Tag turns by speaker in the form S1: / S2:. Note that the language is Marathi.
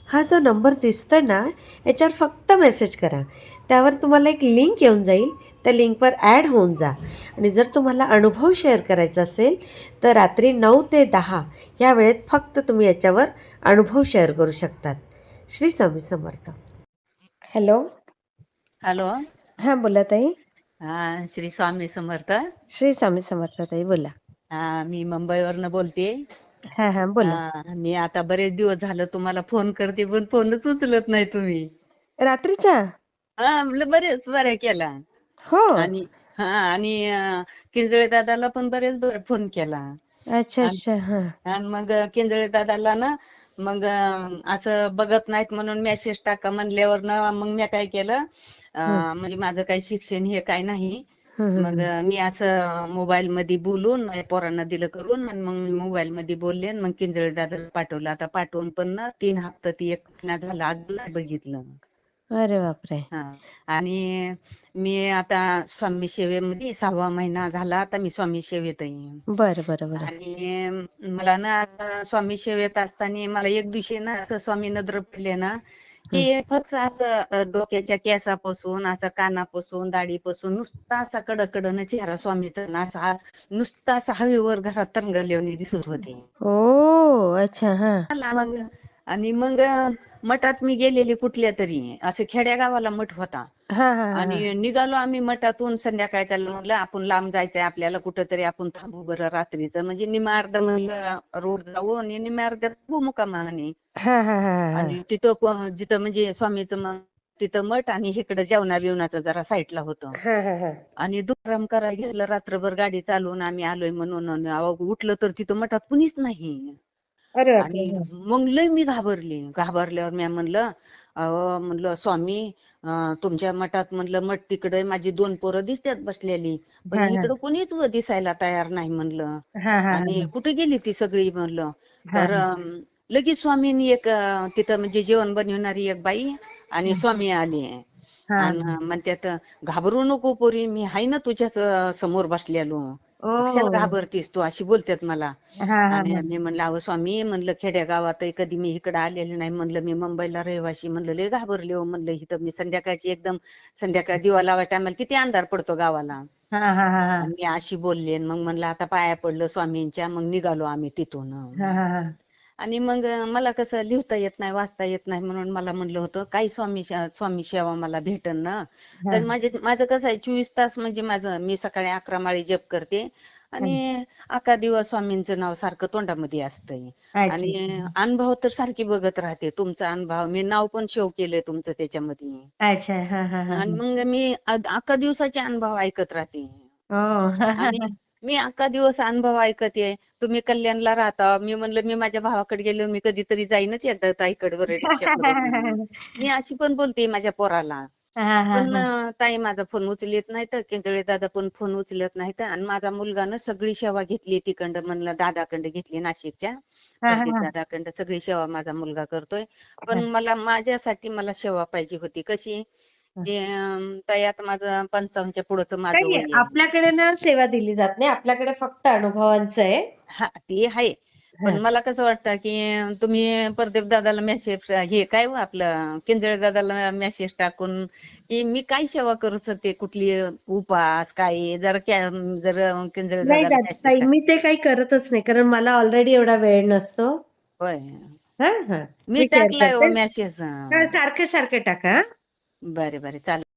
S1: हा जो नंबर दिसतोय ना, याच्यावर फक्त मेसेज करा. त्यावर तुम्हाला एक लिंक येऊन जाईल. त्या लिंकवर ॲड होऊन जा आणि जर तुम्हाला अनुभव शेअर करायचा असेल तर रात्री 9 ते 10 या वेळेत फक्त तुम्ही याच्यावर अनुभव शेअर करू शकतात. श्री स्वामी समर्थ. हॅलो.
S2: हॅलो.
S1: हां बोला ताई.
S2: श्री स्वामी समर्थ.
S1: श्री स्वामी समर्थ ताई बोला.
S2: मी मुंबईवरनं बोलते.
S1: हां हां बोला.
S2: मी आता बरेच दिवस झालं तुम्हाला फोन करते पण फोनच उचलत नाही तुम्ही.
S1: रात्रीचा?
S2: म्हणलं बऱ्या केला.
S1: हो.
S2: आणि आणि किंजळे दादाला पण बरेच फोन केला.
S1: अच्छा अच्छा. हां.
S2: आणि मग किंजळे दादाला ना मग असं बघत नाहीत म्हणून मेसेज टाका म्हणल्यावर ना मग मी काय केलं, म्हणजे माझं काही शिक्षण हे काय नाही. मग मी असं मोबाईल मध्ये बोलून माझ्या पोरांना दिलं करून आणि मग मोबाईल मध्ये बोलले मग किंजळे दादाला पाठवलं. आता पाठवून पण ना 3 हप्ता ती 1 महिना झाला अजून नाही बघितलं.
S1: अरे बापरे.
S2: आणि मी आता स्वामी सेवेमध्ये 6वा महिना झाला आता मी स्वामी सेवेत आहे.
S1: बरं बरं बरं.
S2: आणि मला ना असं स्वामी सेवेत असताना मला एक दिवशी ना असं स्वामी नजर पडले ना की फक्त असं डोक्याच्या केसापासून असं कानापासून दाढीपासून नुसता असा कडकडन चेहरा स्वामीचा ना असा नुसता असा हवेवर घरात तरंगल्यावानी दिसत होते.
S1: ओ अच्छा. हां.
S2: मग आणि मग मठात मी गेलेली कुठल्या तरी असं खेड्यागावाला मठ होता.
S1: हां हां हां.
S2: आणि निघालो आम्ही मठातून संध्याकाळच्या म्हणलं आपण लांब जायचंय आपल्याला कुठंतरी आपण थांबू बरं रात्रीचं म्हणजे निम्या अर्ध म्हणलं रोड जाऊ आणि निम्या अर्ध्यात थांबू मुक्कामाने.
S1: हां हां हां हां.
S2: आणि तिथं जिथं म्हणजे स्वामीचं तिथं मठ आणि इकडं जेवणा बिवणाचं जरा साईडला होतं.
S1: हां हां हां.
S2: आणि दुपाराम करायला गेलं रात्रभर गाडी चालवून आम्ही आलोय म्हणून उठलं तर तिथं मठात कुणीच नाही.
S1: अरे बापरे.
S2: आणि
S1: हां.
S2: मग लय मी घाबरल्यावर मी म्हणलं म्हणलं स्वामी तुमच्या मठात म्हणलं मठ तिकडे माझी 2 पोरं दिसतात बसलेली पण
S1: हां हां.
S2: इकडं कोणीच दिसायला तयार नाही म्हणलं.
S1: हां हां
S2: आणि
S1: हां.
S2: कुठे गेली ती सगळी म्हणलं.
S1: हां
S2: तर
S1: हां.
S2: लगेच स्वामींनी एक तिथं म्हणजे जेवण बनवणारी एक बाई आणि स्वामी आली.
S1: हां.
S2: आणि म्हणतात घाबरू नको पोरी मी हाय ना तुझ्याच समोर बसलेलो. कशाला
S1: ओह!
S2: घाबरतीस तू अशी बोलतात मला.
S1: हां हां
S2: आणि
S1: हां.
S2: मी म्हणलं अहो स्वामी म्हणलं खेड्यागावात कधी मी इकडे आलेले नाही म्हणलं मी मुंबईला रहिवाशी म्हणलं लय घाबरले हो म्हणलं इथं मी संध्याकाळची एकदम संध्याकाळ दिवा लावाय टायमाला किती अंधार पडतो गावाला.
S1: हां हां हां हां.
S2: आणि मी अशी बोलले आणि मग म्हणलं आता पाया पडलं स्वामींच्या मग निघालो आम्ही तिथून.
S1: हां हां हां.
S2: आणि मग मला कसं लिहिता येत नाही वाचता येत नाही म्हणून मला म्हणलं होतं काही स्वामी सेवा मला भेटन ना. तर माझं कसं आहे 24 तास म्हणजे माझं मी सकाळी 11 माळी जप करते आणि 11 दिवस स्वामींचं नाव सारखं तोंडामध्ये असतंय.
S1: अच्छा.
S2: आणि अनुभव तर सारखी बघत राहते तुमचा अनुभव मी नाव पण सेव्ह केलंय तुमचं त्याच्यामध्ये.
S1: अच्छा. हां हां हां
S2: आणि
S1: हां.
S2: मग मी 11 दिवसाचे अनुभव ऐकत राहते.
S1: ओह!
S2: आणि मी 11 दिवस अनुभव ऐकते. तुम्ही कल्याणला राहता मी म्हणलं मी माझ्या भावाकडे गेलो मी कधीतरी जाईनच एकदा ताईकडे वर रिक्षा करून म्हणून. मी अशी पण बोलते माझ्या पोराला.
S1: हां हां
S2: पण
S1: हां.
S2: ताई माझा फोन उचलत नाही तर किंजळे दादा पण फोन उचलत नाहीत आणि माझा मुलगा ना सगळी सेवा घेतली तिकडं म्हणलं दादाकडं घेतली नाशिकच्या
S1: हां हां
S2: प्रदीप
S1: हां.
S2: दादाकडं सगळी सेवा माझा मुलगा करतोय. पण
S1: हां.
S2: मला माझ्यासाठी मला सेवा पाहिजे होती कशी की ताई आता माझं 55च्या पुढचं माझं
S1: काही
S2: वय आहे.
S1: आपल्याकडे ना सेवा दिली जात नाही. आपल्याकडे फक्त अनुभवांचं आहे.
S2: ते आहे. पण
S1: हां.
S2: मला कसं वाटतं की तुम्ही प्रदीप दादाला मेसेज हे काय हो आपलं किंजळे दादाला मेसेज टाकून की मी काय सेवा करू शकते कुठली उपास काय जर जर किंजळे
S1: नाही
S2: दादाला
S1: का
S2: मेसेज
S1: ताई
S2: टाक.
S1: मी ते काही करतच नाही. कारण मला ऑलरेडी एवढा वेळ नसतो.
S2: होय.
S1: हां हां.
S2: मी
S1: मी शेअर
S2: टाकलाय हो
S1: करते.
S2: मेसेज.
S1: हां, सारखे-सारखे टाका हां.
S2: बरे बरे चालेल.